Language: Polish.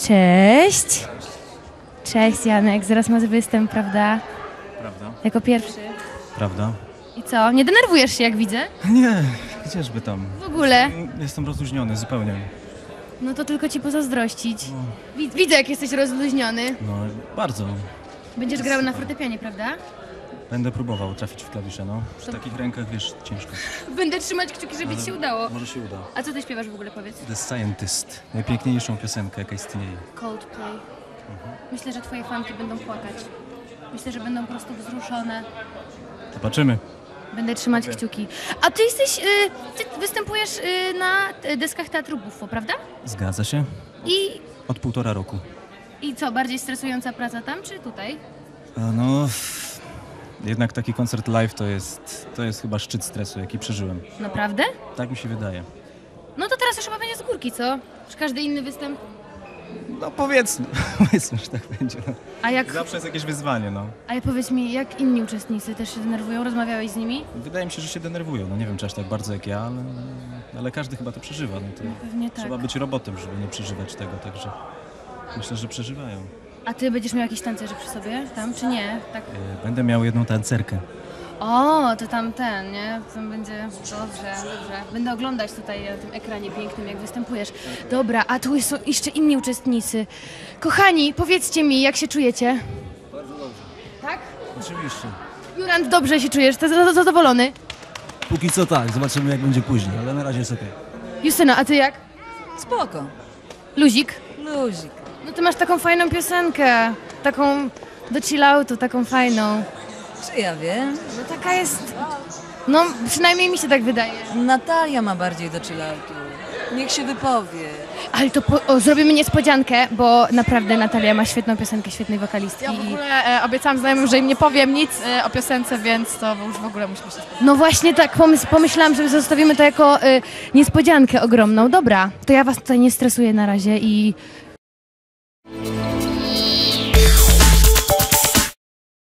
Cześć. Cześć Janek, zaraz masz występ, prawda? Prawda? Jako pierwszy. Prawda? I co, nie denerwujesz się jak widzę? Nie, gdzieżby tam. W ogóle? Jestem rozluźniony zupełnie. No to tylko ci pozazdrościć. Widzę jak jesteś rozluźniony. No, bardzo. Będziesz grał na fortepianie, prawda? Będę próbował trafić w klawisze, no. Przy takich rękach, wiesz, ciężko. Będę trzymać kciuki, żeby ci się udało. Może się uda. A co ty śpiewasz w ogóle, powiedz? The Scientist. Najpiękniejszą piosenkę, jaka istnieje. Coldplay. Myślę, że twoje fanki będą płakać. Myślę, że będą po prostu wzruszone. Zobaczymy. Będę trzymać kciuki. A ty jesteś, ty występujesz na deskach Teatru Buffo, prawda? Zgadza się? I, Od 1,5 roku. I co, bardziej stresująca praca tam, czy tutaj? No, jednak taki koncert live to jest chyba szczyt stresu, jaki przeżyłem. Naprawdę? Tak mi się wydaje. No to teraz już chyba będzie z górki, co? Czy każdy inny występ? No powiedzmy, powiedzmy, że tak będzie. No. A jak, Zawsze jest jakieś wyzwanie, no. ale powiedz mi, jak inni uczestnicy też się denerwują? Rozmawiałeś z nimi? Wydaje mi się, że się denerwują. No nie wiem, czy aż tak bardzo jak ja, ale każdy chyba to przeżywa. No to Pewnie tak. trzeba być robotem, żeby nie przeżywać tego, także myślę, że przeżywają. A ty będziesz miał jakieś tancerzy przy sobie tam, czy nie? Tak. Będę miał jedną tancerkę. O, to tam ten, nie? Tam będzie dobrze. Będę oglądać tutaj na tym ekranie pięknym, jak występujesz. Dobra, a tu są jeszcze inni uczestnicy. Kochani, powiedzcie mi, jak się czujecie? Bardzo dobrze. Tak? Oczywiście. Jurand, dobrze się czujesz? Zadowolony? Póki co tak, zobaczymy jak będzie później, ale na razie jest okej. Justyna, a ty jak? Spoko. Luzik? Luzik. No ty masz taką fajną piosenkę. Taką do chilloutu, taką fajną. Czy ja wiem? No taka jest... No, przynajmniej mi się tak wydaje. Natalia ma bardziej do chilloutu. Niech się wypowie. Ale to zrobimy niespodziankę, bo naprawdę Natalia ma świetną piosenkę, świetnej wokalistki. Ja w ogóle obiecałam znajomym, że im nie powiem nic o piosence, więc to już w ogóle musimy się spotkać. No właśnie tak, pomyślałam, że zostawimy to jako niespodziankę ogromną. Dobra, to ja was tutaj nie stresuję na razie i